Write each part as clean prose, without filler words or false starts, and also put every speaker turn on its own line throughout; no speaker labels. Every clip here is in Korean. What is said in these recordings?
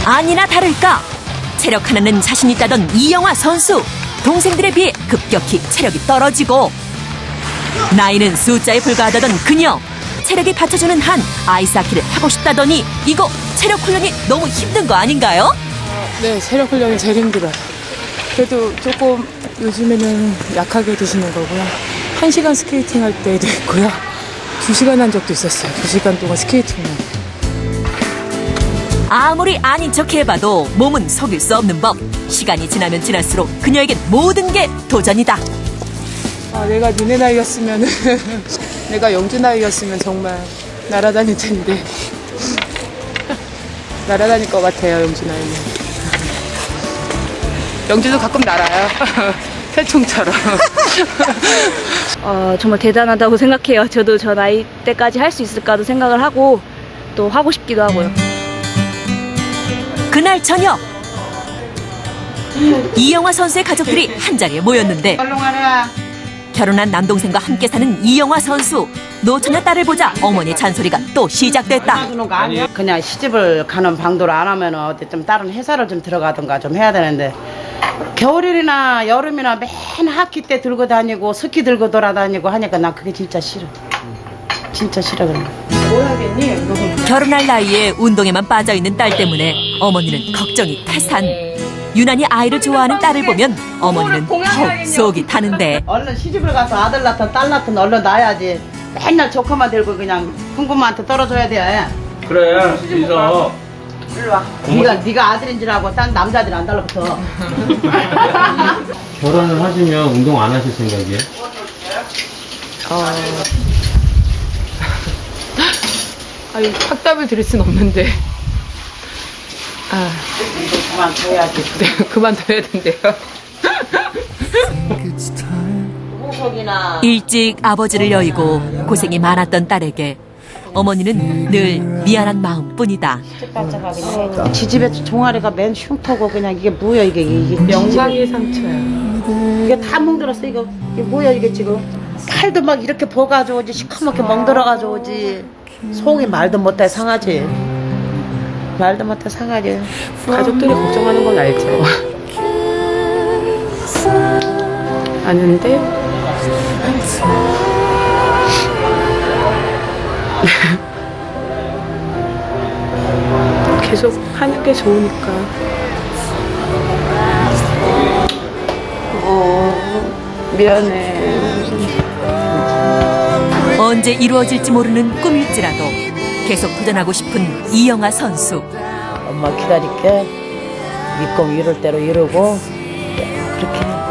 아니나 다를까 체력 하나는 자신 있다던 이영하 선수. 동생들에 비해 급격히 체력이 떨어지고 나이는 숫자에 불과하다던 그녀. 체력이 받쳐주는 한 아이스하키를 하고 싶다더니 이거 체력 훈련이 너무 힘든 거 아닌가요?
네, 체력 훈련이 제일 힘들어요. 그래도 조금 요즘에는 약하게 드시는 거고요. 1시간 스케이팅 할 때도 있고요. 2시간 한 적도 있었어요. 2시간 동안 스케이팅만.
아무리 아닌 척 해봐도 몸은 속일 수 없는 법. 시간이 지나면 지날수록 그녀에겐 모든 게 도전이다.
아, 내가 니네 나이였으면 내가 영주 나이였으면 정말 날아다닐 텐데 날아다닐 것 같아요. 영주 나이는. 영주도 가끔 날아요. 새총처럼.
정말 대단하다고 생각해요. 저도 저 나이 때까지 할 수 있을까도 생각을 하고 또 하고 싶기도 하고요.
그날 저녁 이영하 선수의 가족들이 한자리에 모였는데 결혼한 남동생과 함께 사는 이영하 선수. 노처녀 딸을 보자 어머니 잔소리가 또 시작됐다.
그냥 시집을 가는 방도를 안 하면 어디 좀 다른 회사를 좀 들어가든가 좀 해야 되는데 겨울이나 여름이나 맨 학기 때 들고 다니고 스키 들고 돌아다니고 하니까 난 그게 진짜 싫어. 진짜 싫어 그런 거. 뭘 하겠니?
결혼할 나이에 운동에만 빠져있는 딸 때문에 어머니는 걱정이 태산. 유난히 아이를 좋아하는 딸을 보면 어머니는 더욱 속이 타는데
얼른 시집을 가서 아들 낳든 딸 낳든 얼른 낳아야지. 맨날 조카만 들고 그냥 흥부모한테 떨어져야 돼.
그래, 있어.
일로 와. 네가 아들인 줄 알고 딴 남자들 안 달라붙어.
결혼을 하시면 운동 안 하실 생각이에요?
아니, 확답을 드릴 순 없는데.
그만둬야지.
네, 그만둬야 된대요.
일찍 아버지를 여의고 고생이 많았던 딸에게 어머니는 늘 미안한 마음뿐이다.
지집에 종아리가 맨 흉터고 그냥 이게 뭐야 이게
영광의 상처야.
이게 다 멍들었어 이게 뭐야 이게 지금 팔도 막 이렇게 버가지고 오지 시커멓게 멍들어가지고 오지 속이 말도 못해 상하지 말도 못해 상하지.
가족들이 걱정하는 건 알죠. 아는데 계속 하는 게 좋으니까. 미안해.
언제 이루어질지 모르는 꿈일지라도 계속 도전하고 싶은 이영하 선수.
엄마 기다릴게. 네 꿈 이룰 대로 이루고 그렇게 해.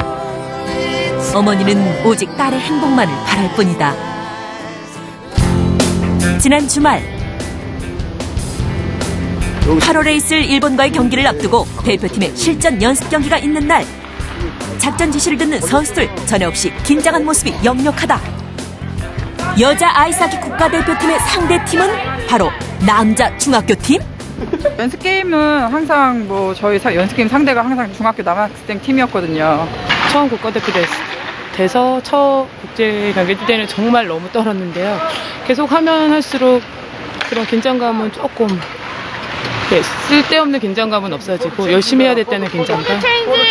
어머니는 오직 딸의 행복만을 바랄 뿐이다. 지난 주말 8월에 있을 일본과의 경기를 앞두고 대표팀의 실전 연습 경기가 있는 날 작전 지시를 듣는 선수들 전혀 없이 긴장한 모습이 역력하다. 여자 아이스하키 국가대표팀의 상대팀은 바로 남자 중학교팀?
연습 게임은 항상 저희 연습 게임 상대가 항상 중학교 남학생 팀이었거든요.
처음 국가대표 돼서 첫 국제 경기 때는 정말 너무 떨었는데요. 계속 하면 할수록 그런 긴장감은 조금 쓸데없는 긴장감은 없어지고 열심히 해야 될 때는 긴장감.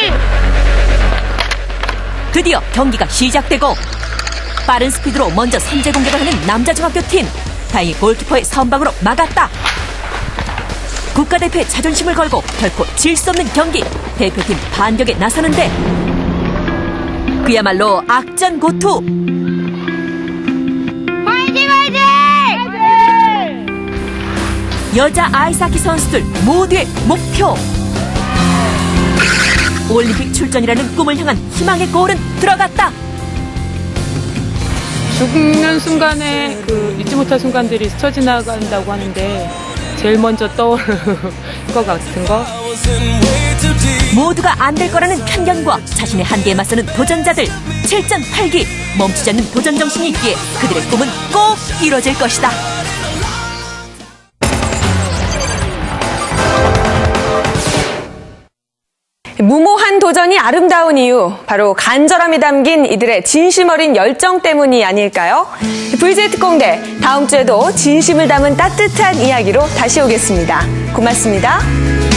드디어 경기가 시작되고 빠른 스피드로 먼저 선제 공격을 하는 남자 중학교팀. 다행히 골키퍼의 선방으로 막았다. 국가대표의 자존심을 걸고 결코 질 수 없는 경기. 대표팀 반격에 나서는데 그야말로 악전고투.
화이팅 화이팅!
여자 아이스하키 선수들 모두의 목표. 올림픽 출전이라는 꿈을 향한 희망의 골은 들어갔다.
죽는 순간에 잊지 못할 순간들이 스쳐 지나간다고 하는데 제일 먼저 떠오르는 것 같은 거.
모두가 안 될 거라는 편견과 자신의 한계에 맞서는 도전자들. 7전 8기 멈추지 않는 도전 정신이 있기에 그들의 꿈은 꼭 이뤄질 것이다.
무모한 도전이 아름다운 이유, 바로 간절함이 담긴 이들의 진심 어린 열정 때문이 아닐까요? VJ 특공대, 다음 주에도 진심을 담은 따뜻한 이야기로 다시 오겠습니다. 고맙습니다.